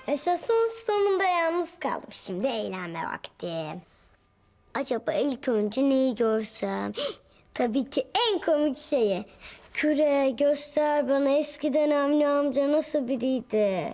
Yaşasın sonunda yalnız kaldım. Şimdi eğlenme vakti. Acaba ilk önce neyi görsem? Tabii ki en komik şeyi. Küre göster bana eskiden Avni amca nasıl biriydi?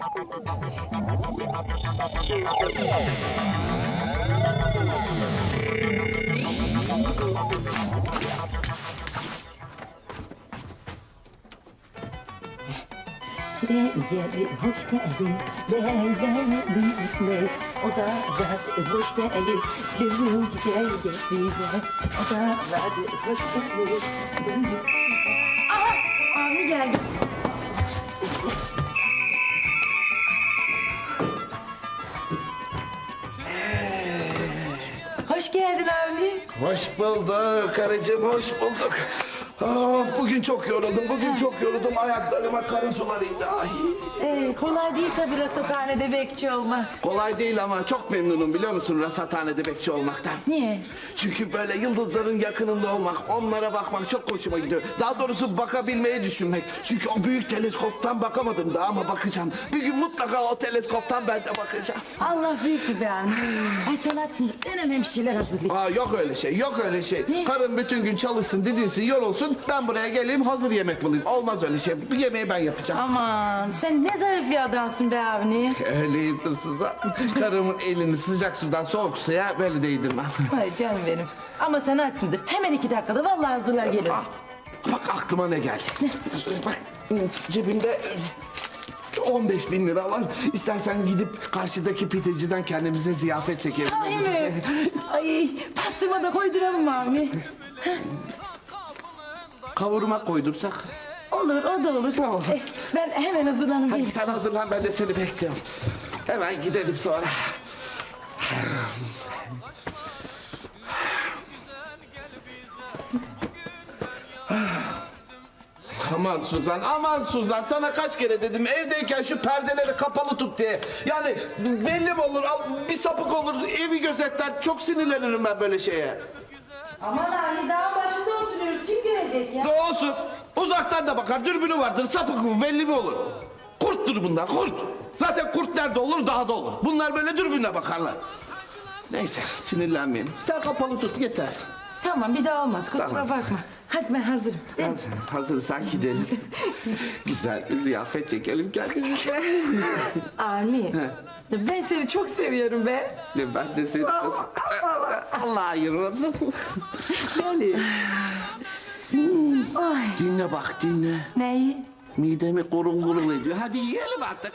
Tren geldi, hoş geldin. Leyleğli İsmet, o da hoş geldin. Gönlüm güzel gel bize, o da hoş geldin. Aha, Avni geldi. Hoş geldin Avni. Hoş bulduk karıcığım, hoş bulduk. Bugün çok yoruldum, Ayaklarıma kara sular indi. Ay. Kolay değil tabii rasathanede bekçi olmak. Kolay değil ama çok memnunum biliyor musun rasathanede bekçi olmaktan. Niye? Çünkü böyle yıldızların yakınında olmak, onlara bakmak çok hoşuma gidiyor. Daha doğrusu bakabilmeyi düşünmek. Çünkü o büyük teleskoptan bakamadım daha ama bakacağım. Bir gün mutlaka o teleskoptan ben de bakacağım. Allah büyüktü be Avni. Ay sen açsın, ben hemen bir şeyler hazırlayayım. Yok öyle şey, yok öyle şey. Ne? Karın bütün gün çalışsın, didinsin, yorulsun. Ben buraya geleyim, hazır yemek bulayım. Olmaz öyle şey. Bu yemeği ben yapacağım. Aman sen ne zarif bir adamsın be Avni. Öyleyim Tuzsuz'a. Karımın elini sıcak sudan soğuk suya böyle değdirmem. Ay canım benim. Ama sen açsındır. Hemen 2 dakikada vallahi hazırlar gelirim. Bak aklıma ne geldi. Bak cebimde 15.000 lira var. İstersen gidip karşıdaki pideciden kendimize ziyafet çekelim. Ay mi? Ay pastırma da koyduralım mı Avni? Kavurma koydursak. Olur o da olur. Tamam. Ben hemen hazırlanayım. Hadi sen hazırlan ben de seni bekliyorum. Hemen gidelim sonra. Aman Suzan sana kaç kere dedim evdeyken şu perdeleri kapalı tut diye. Yani belli mi olur bir sapık olur evi gözetler çok sinirlenirim ben böyle şeye. Aman Avni dağın başında oturuyoruz. Kim görecek ya? Olsun uzaktan da bakar dürbünü vardır sapık mı belli mi olur. Kurttur bunlar kurt. Zaten kurt nerede olur dağda olur. Bunlar böyle dürbünle bakarlar. Neyse sinirlenmeyelim. Sen kapalı tut yeter. Tamam bir daha olmaz kusura Tamam. bakma. Hadi ben hazırım. Hadi, hazırsan gidelim. Güzel bir ziyafet çekelim kendimize. Avni ben seni çok seviyorum be. Ben de seni... Allah ayırmasın. Yani. Ay. Dinle bak dinle. Neyi? Midemi gurul gurul ediyor. Hadi yiyelim artık.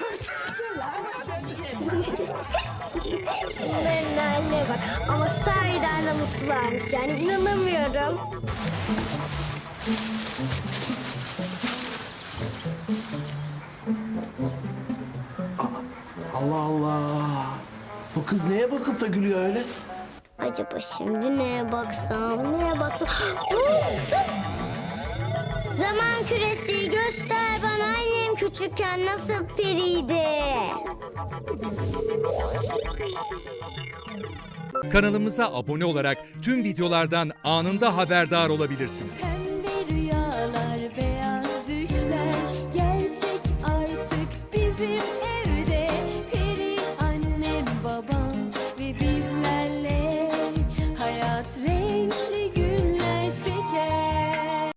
Şunların haline bak. Ama sahiden de mutlularmış yani inanamıyorum. Allah Allah. Bu kız neye bakıp da gülüyor öyle? Acaba şimdi neye baksam, neye baksam? Buldum. Zaman küresi göster bana annem küçükken nasıl periydi. Kanalımıza abone olarak tüm videolardan anında haberdar olabilirsiniz.